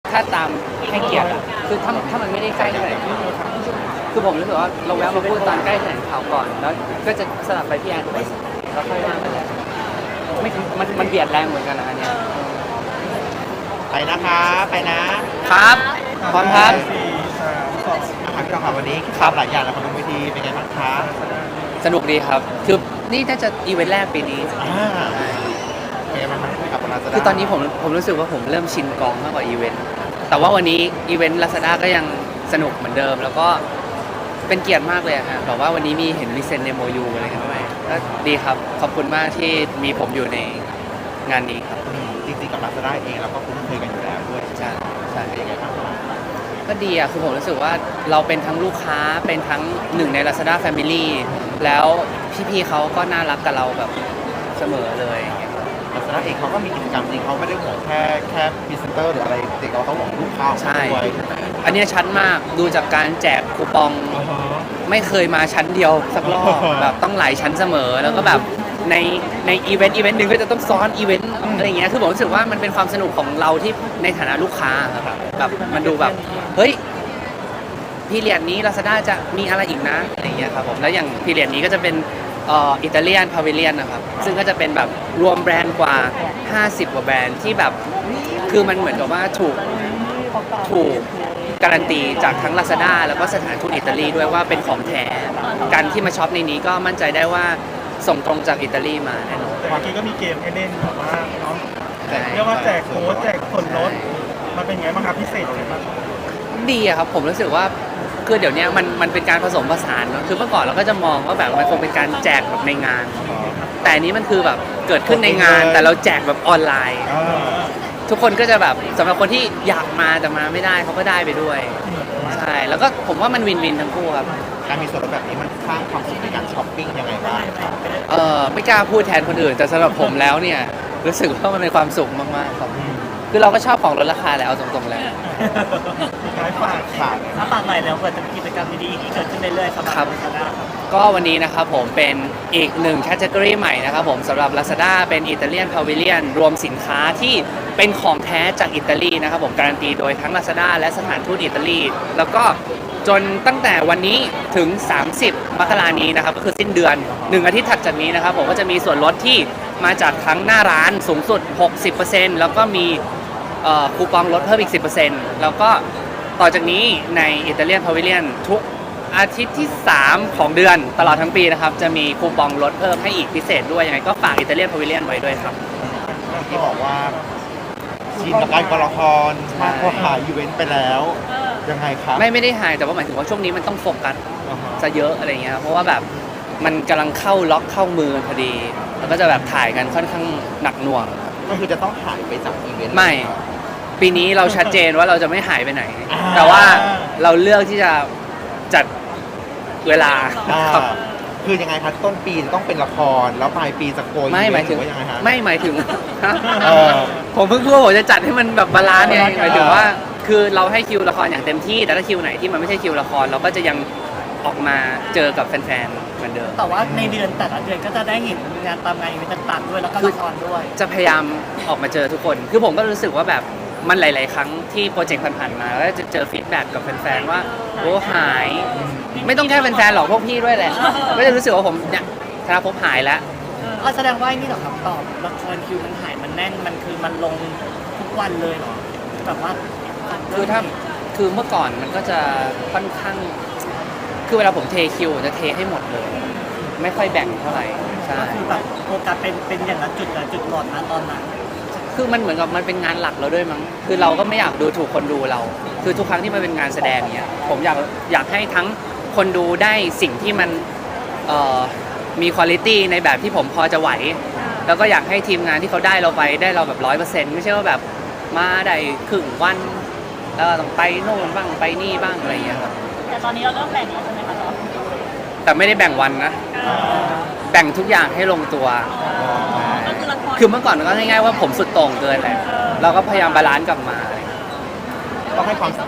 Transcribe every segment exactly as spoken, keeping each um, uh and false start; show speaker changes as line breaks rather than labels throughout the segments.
ถ้าตามให้เกียรติอะคือถ้าถ้ามันไม่ได้ใกล้เท่าไหร่คือผมรู้สึกว่าเราแวะมาพูดตอนใกล้แถลงข่าวก่อนแล้วก็จะสลับไปพี่แอนแล้วค่อยว่ากันไม่มันมันเบียดแรงเหมือนกันนะอันเนี้ย
ไปนะคะไป
นะครับพร้อมครับ
อาพี่เราค่ะวันนี้ครับหลายอย่างแล้วคนบนเวทีเป็นไงบ้างคะ
สนุกดีครับคือนี่น่าจะอีเวนต์แรกปีนี้
อ่าเป็นไงบ้างครับลาซาด้า
คือตอนนี้ผมผมรู้สึกว่าผมเริ่มชินกองมากกว่าอีเวนต์แต่ว่าวันนี้อีเวนต์ Lazada ก็ยังสนุกเหมือนเดิมแล้วก็เป็นเกียรติมากเลยฮะแบบว่าวันนี้มีเห็นมีเซ็นในโมยูอะไรกันด้วยก็ดีครับขอบคุณมากที่มีผมอยู่ในงานนี้ครับ
จริงๆกับลาซาด้าเองเราก็คุ้นเคยกันอยู่แล้วด้วย
ใช่ใช่
เป็นยังไงบ้าง
ก็ดีอ่ะคือผมรู้สึกว่าเราเป็นทั้งลูกค้าเป็นทั้งหนึ่งใน Lazada Family แล้วพี่ๆเขาก็น่ารักกับเราแบบเสมอเลย
ลาซาด้าเองเขาก็มีกิจกรรมจริงเขาไม่ได้ห่วงแค่แค่พรีเซนเตอร์หรืออะไรเด็กเราเขาห่วงลูกค้าด้วย
อันนี้ชั้นมากดูจากการแจกคูปองไม่เคยมาชั้นเดียวสักรอบแบบต้องหลายชั้นเสมอแล้วก็แบบในในอีเวนต์อีเวนต์หนึ่งก็จะต้องซ้อนอีเวนต์อะไรอย่างเงี้ยคือผมรู้สึกว่ามันเป็นความสนุกของเราที่ในฐานะลูกค้าครับแบบมันดูแบบเฮ้ยพีเรียดนี้ Lazada จะมีอะไรอีกนะอะไรอย่างเงี้ยครับผมแล้วอย่างพีเรียดนี้ก็จะเป็นเอ่ออิตาเลียนพาวิเลียนนะครับซึ่งก็จะเป็นแบบรวมแบรนด์กว่าห้าสิบกว่าแบรนด์ที่แบบคือมันเหมือนกับว่าถูกถูกการันตีจากทั้ง Lazada แล้วก็สถานทูตอิตาลีด้วยว่าเป็นของแท้การที่มาช็อปในนี้ก็มั่นใจได้ว่าส่งตรงจากอิตาลีมาแน่นอน
เมื่อกี้ก็มีเกมให้เล่นแบบว่าเนาะเรียกว่าแจกโค้ดแจกส่วนลดมันเป็นไงบ้างครับพิเศษไหมบ้าง
ดีอะครับผมรู้สึกว่าคือเดี๋ยวนี้มันมันเป็นการผสมผสานเนาะคือเมื่อก่อนเราก็จะมองว่าแบบมันคงเป็นการแจกแบบในงานแต่อันนี้มันคือแบบเกิดขึ้นในงานแต่เราแจกแบบออนไลน์ทุกคนก็จะแบบสำหรับคนที่อยากมาแต่มาไม่ได้เขาก็ได้ไปด้วยใช่แล้วก็ผมว่ามันวินวินทั้งคู่ครับ
การมีส่วนลดแบบนี้มันสร้างความสุขในการช้อปปิ้งยังไงบ้าง
เออไม่กล้าพูดแทนคนอื่นแต่สำหรับผมแล้วเนี่ยรู้สึกว่ามันเป็นความสุขมากๆครับคือเราก็ชอบของลดราคาแหละเอาตรงๆแล้ว
ฝากฝากถ้าฝากหน่อยแล้วเกิดจะมีกิจกรรมดีๆที่เกิดขึ้นเรื่อยๆสำหรับ Lazada ครับ
ก็วันนี้นะครับผมเป็นอีกหนึ่งแคตตากรีใหม่นะครับผมสำหรับ Lazada เป็นอิตาเลียนพาวิเลียนรวมสินค้าที่เป็นของแท้จากอิตาลีนะครับผมการันตีโดยทั้ง Lazada และสถานทูตอิตาลีแล้วก็จนตั้งแต่วันนี้ถึงสามสิบมกราคมนี้นะครับก็คือสิ้นเดือนหนึ่งอาทิตย์ถัดจากนี้นะครับผมก็จะมีส่วนลดที่มาจากทั้งหน้าร้านสูงสุด หกสิบเปอร์เซ็นต์ แล้วก็มีคูปองลดเพิ่มอีก สิบเปอร์เซ็นต์ แล้วก็ต่อจากนี้ในอิตาเลียนพาวิเลียนทุกอาทิตย์ที่สามของเดือนตลอดทั้งปีนะครับจะมีคูปองลดเพิ่มให้อีกพิเศษด้วยยังไงก็ฝากอิตาเลียนพาวิเลียนไว้ด้วยครับ
ที่บอกว่าชินกับการกละครมากกว่าหาอีเวนต์ไปแล้วยังไงครับ
ไม่ไม่ได้หายแต่ว่าหมายถึงว่าช่วงนี้มันต้องโฟกัสจะเยอะอะไรเงี้ยเพราะว่าแบบมันกำลังเข้าล็อกเข้ามือพอดีแล้วก็จะแบบถ่ายกันค่อนข้างหนักหน่วง
ก็คือจะต้องหายไปจากอีเวนต์
ไม่ปีนี้เราชัดเจนว่าเราจะไม่หายไปไหนแต่ว่าเราเลือกที่จะจัดเวลา
คือยังไงครับต้นปีจะต้องเป็นละครแล้วปลายปีจะโกย
ไม่หมายถึง
ว่ายังไงฮะ
ไม่หมายถึงผมเพิ่งพูดว่าผมจะจัดให้มันแบบบาลานซ์เนี่ยหมายถึงว่าคือเราให้คิวละครอย่างเต็มที่แต่ถ้าคิวไหนที่มันไม่ใช่คิวละครเราก็จะยังออกมาเจอกับแฟนๆเหมือนเดิม
แต่ว่าในเดือนแต่ละเดือนก็จะได้เห็นงานตามงานอีเวนต์ต่างๆด้วยแล้วก็ละครด้วย
จะพยายามออกมาเจอทุกคนคือผมก็รู้สึกว่าแบบมันหลายๆครั้งที่โปรเจกต์ผ่านๆมาแล้วจะเจอฟีดแบ็กกับแฟนๆว่าโอ้หายไม่ต้องแค่แฟนๆหรอกพวกพี่ด้วยแหละก็จะรู้สึกว่าผมเนี่ยธนภพหายแล้ว
อ๋อแสดงว่านี่เหรอครับตอบละครคิวมันหายมันแน่นมันคือมันลงทุกวันเลยเหรอแบบว่า
คือถ้าคือเมื่อก่อนมันก็จะค่อนข้างคือเวลาผมเทคิวจะเทให้หมดเลยไม่ค่อยแบ่งเท่าไหร่ใช่
คือแบบโฟกัสเป็นเป็นอย่างนั้นจุดละจุดหลอดนะตอนนั้น
คือมันเหมือนกับมันเป็นงานหลักเราด้วยมั้งคือเราก็ไม่อยากดูถูกคนดูเราคือทุกครั้งที่มันเป็นงานแสดงเนี้ยผมอยากอยากให้ทั้งคนดูได้สิ่งที่มันเอ่อมีคุณภาพในแบบที่ผมพอจะไหวแล้วก็อยากให้ทีมงานที่เขาได้เราไปได้เราแบบร้อยเปอร์เซ็นต์ไม่ใช่ว่าแบบมาได้ครึ่งวันแล้วต้องไปโน่นบ้างไปนี่บ้างอะไรอย่างเงี้ยครับ
แต่ตอนนี้เราเริ่มแบ่งแล้วใช่ไหมคะ
แต่ไม่ได้แบ่งวันนะแบ่งทุกอย่างให้ลงตัวคือเมื่อก่อนก็ง่ายๆว่าผมสุดโต่งเกินแหละเราก็พยายามบาลานซ์กลับมา
ต้องให้ความ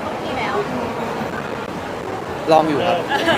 ลองอยู่ครับ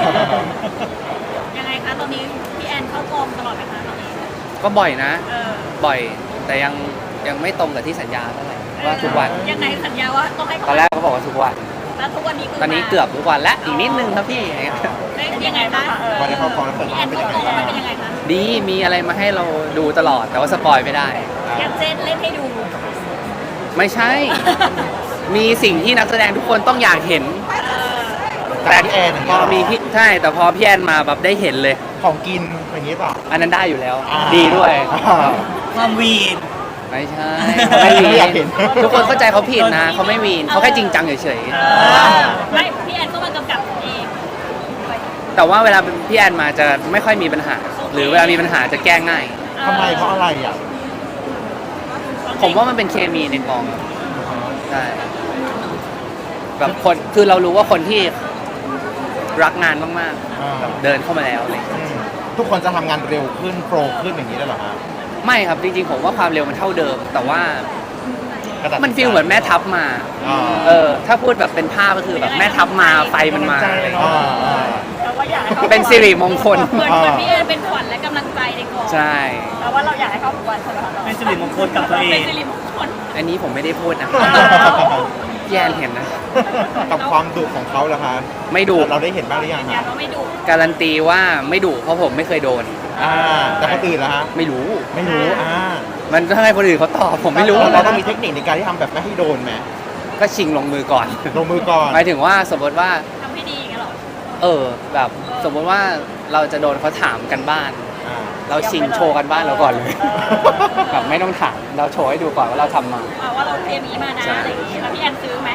ยังไงคะตอนนี้พี่แอนเข้ากองตลอดไหมคะตอนนี้
ก็บ่อยนะบ่อยแต่ยังยังไม่ตรงกับที่สัญญาเท่าไหร่ว่าทุกวัน
ยังไงสัญญาว่าต้องให้
ตอนแรกเขาบอกว่าทุกวัน
แล้วทุกวันนี้คือ
ตอนนี้เกือบทุกวันและอีกนิดนึงครับพี่
ได้ยังไงคะ
วันนี้เขาฟ้องแล้วเปิด
พี่
ร้า
แอน น
เป็น
เขา
ยังไง
โต
บ้าง
เป็นยังไงคะ
ดีมีอะไรมาให้เราดูตลอดแต่ว่าสปอยไม่ได้
อย่างเช่นเล่นให้ดู
ไม่ใช่ มีสิ่งที่นักแสดงทุกคนต้องอยากเห็น
แต่พี่แอนอย่าง
พ
เงี้
อย มีพี่ใช่แต่พอพี่แอนมาแบบได้เห็นเลย
ของกินอย่างนี้เปล่า
อันนั้นได้อยู่แล้ว
อ่า
ดีด้วย
อ่า
ความวีน
ไม่ใช่
ไม่
ไม่
มี
มี
อยากเห็น
ทุกคนเข้าใจเขาผิดนะเขาไม่มีนเขาแค่จริงจังเฉย
ไม่พี่แอนก็มากำกับเอง
ๆแต่ว่าเวลาพี่แอนมาจะไม่ค่อยมีปัญหา หรือเวลามีปัญหาจะแก้ง่าย
ทำไมเพราะอะไรอ่ะ
ผมว่ามันเป็นเคมีในกองครับใช่แบบคนคือเรารู้ว่าคนที่รักงานมาก
อ่า
ๆแบบเดินเข้ามาแล้วอะไรอย่างเงี้ย
อืมทุกคนจะทำงานเร็วขึ้นโปรขึ้นอย่างนี้ได้เหรอฮะ
ไม่ครับจริงๆผมว่าความเร็วมันเท่าเดิม แต่ว่า
กระดาษ
มันฟีลเหมือนแม่ทัพมา
อ่า
เออ ถ้าพูดแบบเป็นภาพก็คือแบบแม่ทัพมาไฟมันมาอะไรอย่าง
อ่า
เงี้ย
อ่า
แต่ว่าอยากให้เขา
เป็นสิริมงคล
เหมือนเหมือนพี่แอนเป็นขวัญและกำลังใจในกอง
ใช่
แต่ว่าเราอยากให้เขาทุกวันใช่ไหมคะ
เป็นสิริมงคลกับตัวเอ
เป็น
ง
สิริมงคล
อันนี้ผมไม่ได้พูดนะพี่แอนเห็นนะ
กับความดุของเขาเหรอคะ
ไม่ดุ
เราได้เห็นบ้างหรือยัง
ยืนยั
ฮะ
นว่าไม่ดุ
การันตีว่าไม่ดุเพราะผมไม่เคยโดน
อ่าแต่คนอื่นล่ะฮะ
ไม่รู้
ไม่รู้อ่า
มันต้องให้คนอื่นเขาตอบผมไม่รู้
เราต้องมีเทคนิคในการที่ทำแบบไม่ให้โดนไหม
ก็ชิงลงมือก่อน
ลงมือก่อน
หมายถึงว่าสมมติว่า
ทำให้ดีอย่างเงี้ยหรอ
เออ แบบสมมติว่าเราจะโดนเขาถามกันบ้าน
อ่า
เราชิงโชว์กันบ้านเราก่อนเลย แบบไม่ต้องถามเราโชว์ให้ดูก่อนว่าเราทำมา
อ่าว่าเราเตรียมนี้มานะ
ใช่
อะไรอย่างเงี้ยแล้วพี่แอนซื้อไหม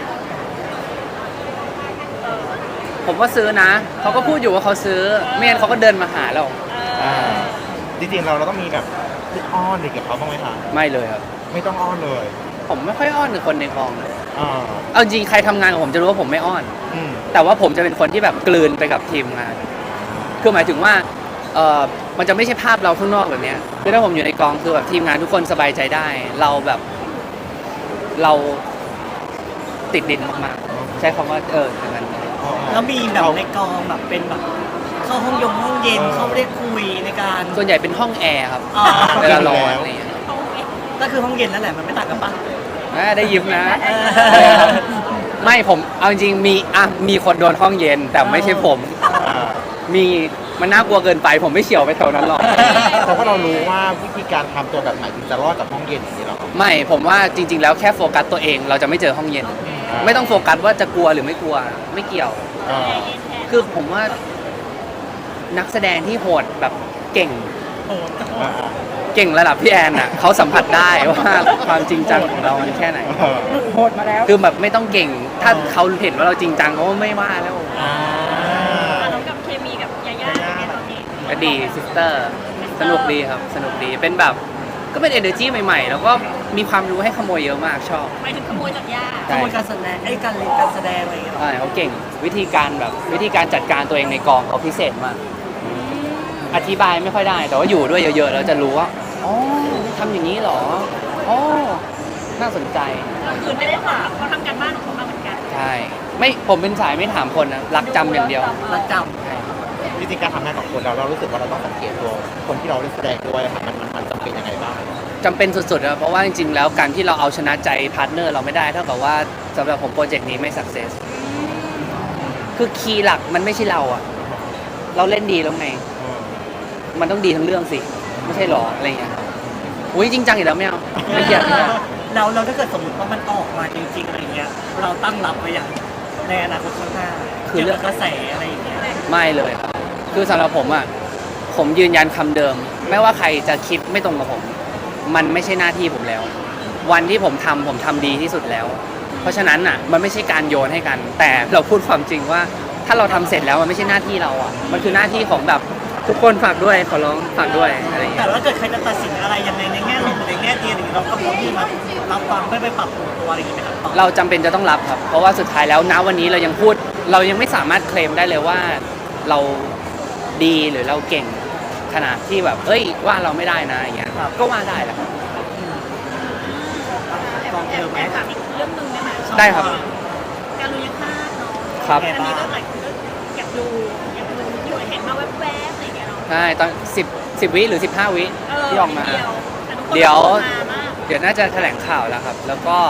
เออ
ผมว่าซื้อนะเขาก็พูดอยู่ว่าเขาซื้อไม่งั้นเขาก็เดินมาหาเรา
เอ
อ่า
อ
จริงๆเราเราต้องมีแบบพูดอ้อนเด็กกับเขาบ้างไหมคะ
ไม่เลยครับ
ไม่ต้องอ้อนเลย
ผมไม่ค่อยอ้อนกับคนในกองเลย
อ่า
เอาจริงใครทำงานกับผมจะรู้ว่าผมไม่อ้อน
อืม
แต่ว่าผมจะเป็นคนที่แบบกลืนไปกับทีมงาน คือหมายถึงว่าเออมันจะไม่ใช่ภาพเราข้างนอกแบบเนี้ยคือถ้าผมอยู่ในกองคือแบบทีมงานทุกคนสบายใจได้ เราแบบเราติดดินมากๆ ใช้คำว่าเอออย่างนั้น
แล้วมีแบบในกองแบบเป็นแบบเข้าห้องยงห้องเย็นเข้าได้คุยในการ
ส่วนใหญ่เป็นห้องแอร์ครับ
อ๋อ
เวลาร้อนอะไรอย่างเงี้ย
ก็คือห้องเย็นนั่นแหละมันไม่ต่างกันปะ
อ่าได้ยิ้มนะ
เออ
ใช่ครับไม่ผมเอาจริงๆมีอ่ะมีคนโดนห้องเย็น แต่ไม่ใช่ผม
อ่า
มีมันน่ากลัวเกินไป ผมไม่เฉียวไปแถวนั้นหรอก
แต่ว่าเรารู้ว่าวิธีการทำตัวแบบไหนถึงจะรอดจากห้องเย็นอย่างนี้หรอ
ไม่ผมว่าจริง ๆ แล้วแค่โฟกัสตัวเองเราจะไม่เจอห้องเย็น ไม่ต้องโฟกัสว่าจะกลัวหรือไม่กลัวไม่เกี่ยว
อ่า
คือผมว่านักแสดงที่โหดแบบเก่ง
อ่า
เก่งระดับพี่แอนอ่ะเขาสัมผัสได้ว่าความจริงจังของเรามันแค่ไหน
อ่า
โหดมาแล้ว
คือแบบไม่ต้องเก่ง ถ้าเขาเห็นว่าเราจริงจังเขาก็ไม่ว่าแล้ว
อ่า
อ่ะแล้วกับเคมีกับยาย่าเป็นไงตอนนี้
ก็ดีซิสเตอร์สนุกดีครับสนุกดีเป็นแบบก็เป็น energy ใหม่ๆ แล้วก็มีความรู้ให้ขโมยเยอะมากชอบ
หมายถึงขโมยจากย่า
ขโมยการแสดงไอ้ยการเล่นการแสดงอะไรอย่างเงี้ยหรอ
ใช่เขาเก่งวิธีการแบบวิธีการจัดการตัวเองในกองเขาพิเศษมาก อธิบายไม่ค่อยได้ แต่ว่าอยู่ด้วยเยอะๆแล้วจะรู้ว่าอ๋อทำอย่างนี้เหรออ๋อน่าสนใจ
ก็คือไม่ได้ถามเขาทำการบ้านของเขามาเหมือนกัน
ใช่ไม่ผมเป็นสายไม่ถามคนนะรักจำอย่างเดียว
รักจ
ใช่
วิธีการทำงานกับคนเราเรารู้สึกว่าเราต้องสังเกตตัวคนที่เราเล่นแสดงด้วยค่ะมันมันมันจำเป็นยังไงบ้าง
จำเป็นสุดๆนะเพราะว่าจริงๆแล้วการที่เราเอาชนะใจพาร์ทเนอร์เราไม่ได้เท่ากับว่าสำหรับผมโปรเจกต์นี้ไม่สักเซสคือคีย์หลักมันไม่ใช่เราอะเราเล่นดีแล้วไง มันต้องดีทั้งเรื่องสิ ไม่ใช่หรออะไรอย่างเงี้ยครับอุ้ยจริงจังอีกแล้วไม่เอาไม่เกี่ยวไม่เกี่ยว
ำเราเราถ้าเกิดสมมติว่ามันออกมาจริงๆอะไรเงี้ยเราตั้งรับไว้อย่างในอนาคตข้างหน้า
คือเรื่อง
กี่ยวกับกระแสอะไรอย่างเงี้ย
ไม่เลยครับคือสำหรับผมอ่ะ ผมยืนยันคำเดิม ไม่ว่าใครจะคิดไม่ตรงกับผม มันไม่ใช่หน้าที่ผมแล้ว วันที่ผมทำผมทำดีที่สุดแล้ว เพราะฉะนั้นอ่ะ มันไม่ใช่การโยนให้กัน แต่เราพูดความจริงว่า ถ้าเราทำเสร็จแล้วมันไม่ใช่หน้าที่เราอ่ะ มันคือหน้าที่ของแบบทุกคนฝากด้วยขอร้องฝากด้วยอะไรอย่าง
แต่
เงี้ย
ว่าเกิดใครจะตัดสินอะไรยังไงในแง่ลบหรือในแง่ดีอะไรอย่างเงี้ยเราก็พร้อมที่มารับฟังเพื่อไปปรับปรุงตัวอะไรอย่างเงี้ยไหมครับต่อ
เราจำเป็นจะต้องรับครับ เพราะว่าสุดท้ายแล้วณวันนี้เรายังพูด เรายังไม่สามารถเคลมได้เลยว่าเราดีหรือเราเก่งขนาดที่แบบเอ้ยว่าเราไม่ได้นะอย่างเงี้ย
ครับ
ก็ว่าได้แหละครับ
กอง
แอ
เดิ
บ
มไหม
แอบถามอีกเรื่องหนึงได้ไหม
ได้ครับ
การลุยคาดเนาะ
ครับ
อันนี้ก็หลายคนก็อยากดูอยากดูอยู่เห็นมาแวบๆอะไรอย่างเงี้ยเนาะ
ใช่ตอนสิบสิบวิหรือสิบห้าวิ
เออ
ที่ออกมา
เดียวแต่ทุกคน
เดี๋ยว
มามาก
เดี๋ยวน่าจะแถลงข่าวแล้วครับ แล้วก็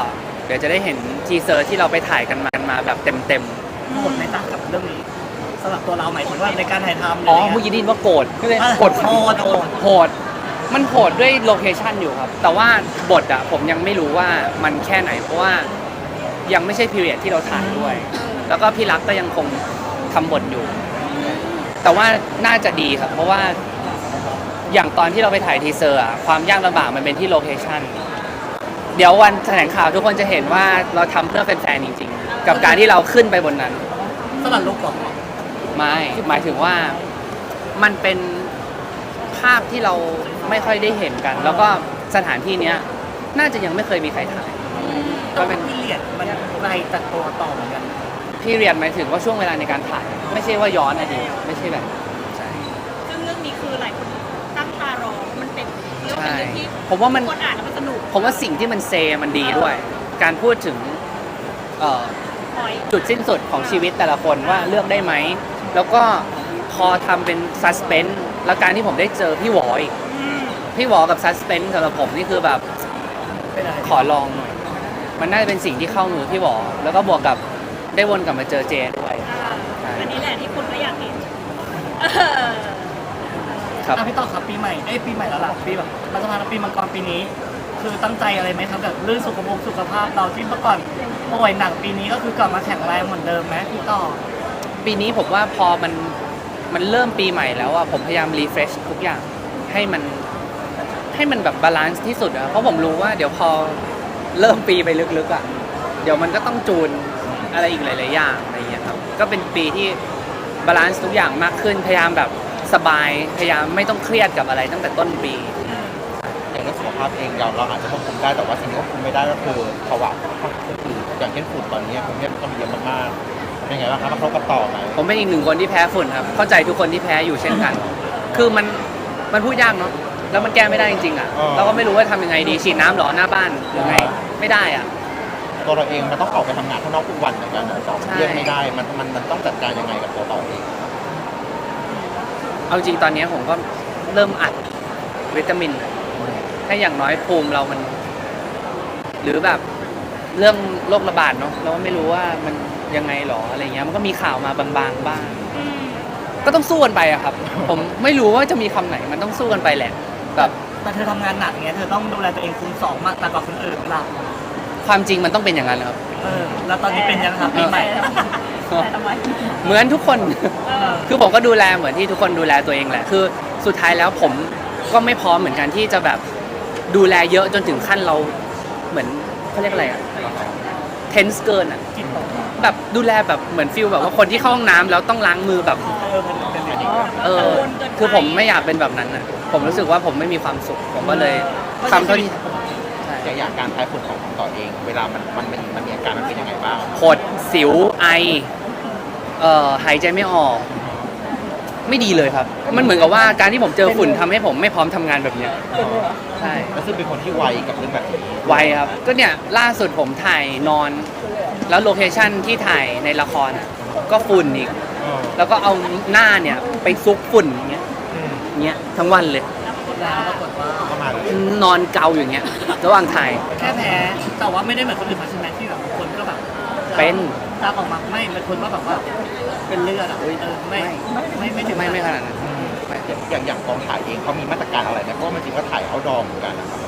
เดี๋ยวจะได้เห็นทีเซอร์ที่เราไปถ่ายกันมามาแบบเต็ม
โหดไหมจ๊ะกับเรื่องนี้สำหรับตัวเราหมายถึงว่าในการถ่ายทำ
ๆอ๋อเมื่อกี้ได้ยินว่าโกรธก็เลยโกรธ
โหดโหด
โหดมันโหดด้วยโลเคชันอยู่ครับ แต่ว่าบทอะผมยังไม่รู้ว่ามันแค่ไหนเพราะว่ายังไม่ใช่พีเรียดที่เราถ่ายด้วย แล้วก็พี่รักก็ยังคงทำบทอยู่ แต่ว่าน่าจะดีครับ เพราะว่าอย่างตอนที่เราไปถ่ายทีเซอร์อะความยากลำบากมันเป็นที่โลเคชันเดี๋ยววันแถลงข่าวทุกคนจะเห็นว่าเราทำเพื่อแฟนๆจริงๆ กับการที่เราขึ้นไปบนนั้น
สลัดลุกหรอ
ไม่หมายถึงว่ามันเป็นภาพที่เราไม่ค่อยได้เห็นกัน แล้วก็สถานที่เนี้ยน่าจะยังไม่เคยมีใครถ่าย
ก็เป็นพิเรียดมันไกลจากตัวต่อเหมือนกัน
พี่เรียนหมายถึงว่าช่วงเวลาในการถ่าย ไม่ใช่ว่าย้อนอดีตไม่ใช่แบบใช่
ซึ่งเรื่องนี้คือหลายคนตั้งตารอมันเป็นเรื่อง
ใช่
เป็นเรื่องที่
ผมว่ามัน
คนอ่านแล้วมันสนุก
ผมว่าสิ่งที่มันเซมันดีด้วย การพูดถึงเอ่อ
พอย
จุดสิ้นสุดของชีวิตแต่ละคนว่าเลือกได้ไหม แล้วก็พอทำเป็นซัสเพนส์แล้วการที่ผมได้เจอพี่หวออีกพี่หวอกับซัสเพนส์สำหรับผมนี่คือแบบ
เป็นอะไร
ขอลองหน่อย มันน่าจะเป็นสิ่งที่เข้ามือพี่หวอแล้วก็บวกกับได้วนกลับมาเจอเจด้วย
อ่าอันนี้แหละที่คนก็อยากเห็นเออ
ครับ
อ่ะพี่ต่อครับปีใหม่เอ้ยปีใหม่แล้วล่ะปีแบบรัฐบาลปีมังกรปีนี้ คือตั้งใจอะไรไหมครับแบบเรื่องสุขภาพสุขภาพเราที่เมื่อก่อนป่วยหนักปีนี้ก็คือกลับมาแข็งแรงเหมือนเดิมไหมพี่ต่อ
ปีนี้ผมว่าพอมันมันเริ่มปีใหม่แล้วอะผมพยายามรีเฟรชทุกอย่างให้มันให้มันแบบบาลานซ์ที่สุดอะเพราะผมรู้ว่าเดี๋ยวพอเริ่มปีไปลึกๆอะเดี๋ยวมันก็ต้องจูนอะไรอีกหลายๆอย่างอะไรอย่างเงี้ยครับก็เป็นปีที่บาลานซ์ทุกอย่างมากขึ้นพยายามแบบสบายพยายามไม่ต้องเครียดกับอะไรตั้งแต่ต้นปี
อย่างเรื่องสุขภาพเองเราเราอาจจะควบคุมได้แต่ว่าสิ่งที่ควบคุมไม่ได้ก็คือภาวะอื่นอย่างเช่นฝุ่นตอนนี้กรุงเทพก็มีเยอะมากๆเป็นไงบ้างครับกระทบกับต่อไหม
ผมเป็นอีกหนึ่งคนที่แพ้ฝุ่นครับเข้าใจทุกคนที่แพ้อยู่เช่นกัน คือมันมันพูดยากเนาะแล้วมันแก้ไม่ได้จริงๆอ่ะเราก็ไม่รู้ว่าทำยังไงดีฉีดน้ำเหรอหน้าบ้านหรือไงไม่ได้อ่ะ
ตัวเราเองมันต้องออกไปทำงานข้างนอกทุกวันเหมือนกันนะต่อ
ใช่
เลี่ยงไม่ได้มันมันมันต้องจัดการยังไงกับตัวต่อเอง
เอาจริงตอนนี้ผมก็เริ่มอัดวิตามินให้อย่างน้อยภูมิเรามัน หรือแบบเรื่องโรคระบาดเนาะเราก็ไม่รู้ว่ามันยังไงหรออะไรเงี้ยมันก็มีข่าวมาบางๆบ้าง
อืม
ก็ต้องสู้กันไปอะครับ ผมไม่รู้ว่าจะมีคำไหนมันต้องสู้กันไปแหละแบบ
แต่เธอทำงานหนักเงี้ยเธอต้องดูแลตัวเองคูณสองมากแต่กว่าคนอื่นหลับ
ความจริงมันต้องเป็นอย่างนั้นครับ
เออแล้วตอนนี้เป็นยังครับปีใหม่
แต่ทำไม
เหมือนทุกคน
เออ
คือผมก็ดูแลเหมือนที่ทุกคนดูแลตัวเองแหละ คือสุดท้ายแล้วผมก็ไม่พร้อมเหมือนกันที่จะแบบดูแลเยอะจนถึงขั้นเราเหมือนเขาเรียกอะไรอะเทนส์เกินอะ
จิตตก
แบบดูแลแบบเหมือนฟิลแบบว่าคนที่เข้าห้องน้ำแล้วต้องล้างมือแบบ
เออเป็นเป็นอย่างนี้
เออ คือผมไม่อยากเป็นแบบนั้นอะผมรู้สึกว่าผมไม่มีความสุข ผมก็เลยทำเท่าที่ใช่
อย่างอย่างการแพ้ฝุ่นของของต่อเอง เวลามันมันมันมันมีอาการมันเป็นยังไงบ้าง
ผดสิวไอเอ่อหายใจไม่ออก ไม่ดีเลยครับ มันเหมือนกับว่าการที่ผมเจอฝุ่นทำให้ผมไม่พร้อมทำงานแบบเนี้ยใช่
แล้วซึ่งเป็นคนที่ไวกับเรื่องแบบนี้
ไวครับ ก็เนี่ยล่าสุดผมถ่ายนอน แล้วโลเคชั่นที่ถ่ายในละครอะก็ฝุ่นอีก
เออ
แล้วก็เอาหน้าเนี่ยไปซุกฝุ่นอย่างเงี้ย
อืม
เงี้ยทั้งวันเลย
แล้วปรากฏว่า
ก็มาเลย
นอนเกาอย่างเงี้ยระหว่างถ่าย
แค่แพ้แต่ว่าไม่ได้เหมือนคนอื่นมาใช่ไหมที่แบบคนก็แบบ
เป็น
ตาออกมาไม่เป็นคนว่าแบบว่าเป็นเลือดอ่ะเออไม่ไม่ไม่ถึง
ไม่ไม่ขนาดนั้นไม่
อย่างอย่างกองถ่ายเองเขามีมาตรการอะไรไหมเพราะว่ามันจริงว่าถ่ายเอาดอมเหมือนกันนะครับ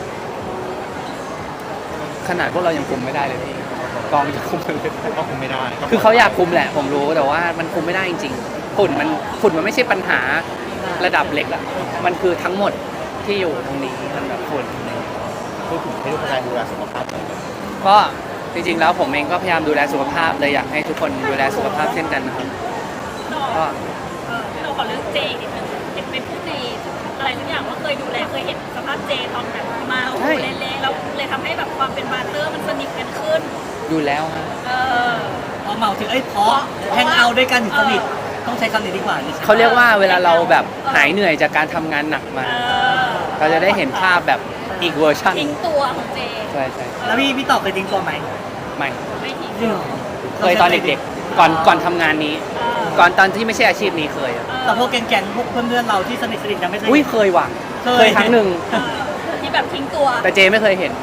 ขนาดพวกเรายังคุมไม่ได้เลยพี่กองจะคุมมันเลย
ก็คงไม่ได้ก็
คือเขาอยากคุมแหละ ผมรู้แต่ว่ามันคุมไม่ได้จริงๆฝุ่นมันฝุ่นมันไม่ใช่ปัญหาระดับเล็กละมันคือทั้งหมดที่อยู่ตรงนี้มันแบบฝุ่น
พูดถึงให้ทุกคนดูแลสุขภาพหน่อย
ก็จริงๆแล้วผมเองก็พยายามดูแลสุขภาพเลยอยากให้ทุกคนดูแลสุขภาพเช่นกันนะครับ
ต่อ
ก็
เออที่เราขอเรื่องเจอีกนิดนึงเห็นเป็นผู้ในอะไรทุกอย่างว่าเคยดูแลเคยเห็นสภาพเจตอนแบบมาโอ้โหเละๆแล้วเลยทำให้แบบความเป็นบาร์เตอร์มันสนิทกันขึ้น
อยู่แล้วฮะ
เออ
พอเมาถึงเอ้ยเพราะแฮงเอาท์ด้วยกันถึงสนิทต้องใช้คำนี้ดีกว่านี่ใช่ไหม
เขาเรียกว่าเวลาเราแบบหายเหนื่อยจากการทำงานหนักมา
เออ
เราจะได้เห็นภาพแบบอีกเวอร์ชัน
ทิ้งตัวของเจ
ใช่ใช่
แล้วพี่พี่ต่อเคยทิ้งตัวไหม
ไม่
ไม่ทิ้ง
จริงเหรอ
เคยตอนเด็กๆก่อนก่อนทำงานนี้
เออ
ก่อนตอนที่ไม่ใช่อาชีพนี้เคยอะ
แต่พวกแก๊งๆพวกเพื่อนๆเราที่สนิทสนิทกันไม่เคย
อุ้ยเคยว่ะ
เคย
เคยครั้งหนึ่ง
เออที่แบบทิ้งตัว
แต่เจไม่เคยเห็น
โอเค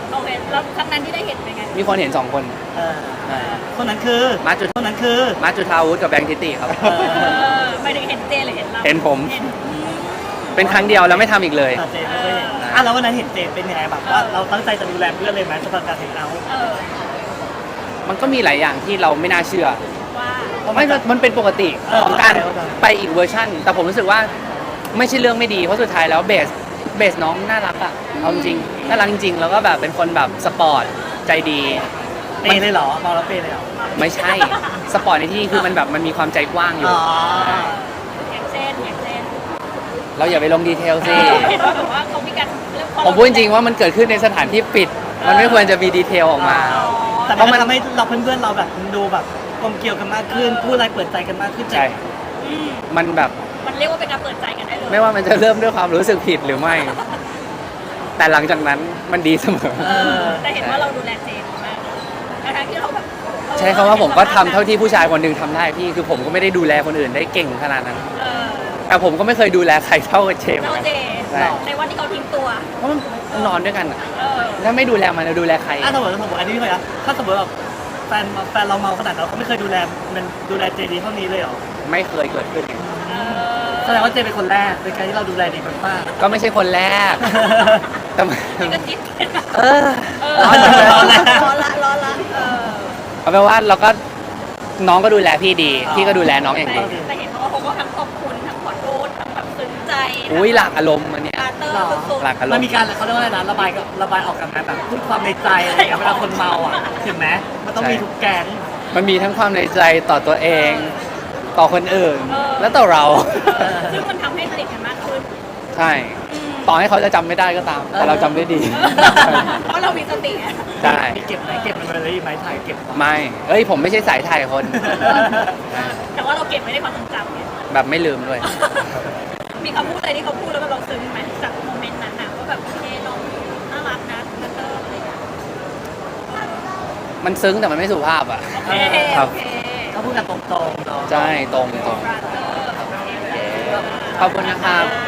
แล้วครั้งนั้นที่ได้เห็นเป็นไง
มีคนเห็นสองคน
เออ
ใช่
คนนั้นคือ
มาจุด
คนนั้นคือ
มาจุธาวุฒิกับแบงค์ทิติครับ
เอ
เอ
อ
อไม่ได้เห็นเจหรือเห็นเรา
เห็นผม
เห็น
เป็นครั้งเดียวแล้วไม่ทำอีกเลย
เออเจไม่เคยเห็นอ่ะแล้ววันนั้นเห็นเจเป็นยังไงแบบว่าเราตั้งใจจะดูแลเพื่อนเลยไหมสำหรับการเห็นเอา
เออ
มันก็มีหลายอย่างที่เราไม่น่าเชื่อ
ว่า
ไม่มันเป็นปกติ
เออ
ของการ
เข้าใจ
ไปอีกเวอร์ชันแต่ผมรู้สึกว่าไม่ใช่เรื่องไม่ดีเพราะสุดท้ายแล้วเบสเบสน้องน่ารักอะเอาจริงๆน่ารักจริงๆแล้วก็แบบเป็นคนแบบสปอร์ตใจดี
เปย์เลยเหรอมองแล้วเปย์เลยเหรอ
ไม่ใช่สปอร์ตในที่นี้คือมันแบบมันมีความใจกว้างอยู่
อ๋อ
อย่างเช่นอย่างเช่น
เราอย่าไปลงดีเทลสิ
เห็นว่าแบบว่าเขามีการเรื่อง
ผมพูดจริงๆว่ามันเกิดขึ้นในสถานที่ปิด มันไม่ควรจะมีดีเทลออกมา
แต่
เพราะมั
มัน นทำให้เราเพื่อนๆเราแบบดูแบบกลมเกลียวกันมากขึ้นพูดอะไรเปิดใจกันมากขึ้น
ใช่
อืม
มันแบบ
มันเรียกว่าเป็นการเปิดใจกันได้เลย
ไม่ว่ามันจะเริ่มด้วยความรู้สึกผิดหรือไม่ แต่หลังจากนั้นมันดีเสมอ
เออ
แต่เห็นว่าเราดูแลเจนมากทั้งที่เราแบบเออ
ใช้คำว่าผมก็ทำเท่าที่ผู้ชายคนหนึ่งทำได้พี่คือผมก็ไม่ได้ดูแลคนอื่นได้เก่งขนาดนั้น
เออ
แต่ผมก็ไม่เคยดูแลใครเท่ากับเชม
เราเจ
ใช่
ในวันที่เขาทิ้งตัว
เพราะมันนอนด้วยกันอะ
เออ
ถ้าไม่ดูแลมันจะดูแลใคร
อ่ะสมมติสมมติอันนี้ไม่เคยนะถ้าสมมติแบบแฟนแฟนเราเมาขนาดนั้นเราก็ไม่เคยดูแลมันดูแลเจดีเท่านี้เลยเหรอ
ไม่เคยเกิดขึ้น
เออ
แสดงว่าเจเป็นคนแรกในการที่เราดูแลดีมาก
ก็ไม่ใช่คนแรก แต่มัน
นี่ก็คิดเป็นแบบ
เออ
เออ
ร้อนจังเลย
ร้อนละร้อนละร้อนละเออ
เอาเป็นว่าเราก็น้องก็ดูแลพี่ดี พี่ก็ดูแลน้องอย่าง
แต่
ดี
แต่เห็นเขาว่าเขาก็ทั้งขอบคุณทั้งขอโทษทั้งแบบซึ้งใจ
อุ้ยหลากอารมณ์อันเนี้ย
ปาเตอร์สุด
หลากอา
ๆ
ร
มัน
ม
มี
ณ์
การเขาเรียกว่าอะไรนะระบายกับระบายออกกันไหมแบบพูดความในใจอะไรอย่างเงี้ยเวลาคนเมาอ่ะถึงไหมมันต้องมีทุกแก๊ง
มันมีทั้งความในใจต่อตัวเอง ต่อคนอื่น และต่อเรา
เออซึ่งมันทำให้สนิทกันมากขึ้น
ใช่ ต่อให้เขาจะจำไม่ได้ก็ตาม แต่เราจำได้ดี
เพราะเรามีสติไง
ใช่
มีเก็บไหมเก็บมันไว้เลยไหมถ่ายเก็บไว้
ไม่ เอ้ย ผมไม่ใช่สายถ่ายคน
แต่ว่าเราเก็บไม่ได้ความทรงจำไง
แบบไม่ลืมด้วย
มีคำพูดอะไรที่เขาพูดแล้วเราซึ้งไหมจากโมเมนต์นั้นนะว่าแบบโอเคน้องน่ารักนะปาเตอร์อะไรอย่างเงี้ย
มันซึ้งแต่มันไม่สุภาพอ่ะ
โอเค
ครับ
โอเค
ก็พูดกันตรงๆเนาะ
ใช่ ตรงตรง
ปาเตอร์โอเค
ขอบคุณนะครับ
อ่า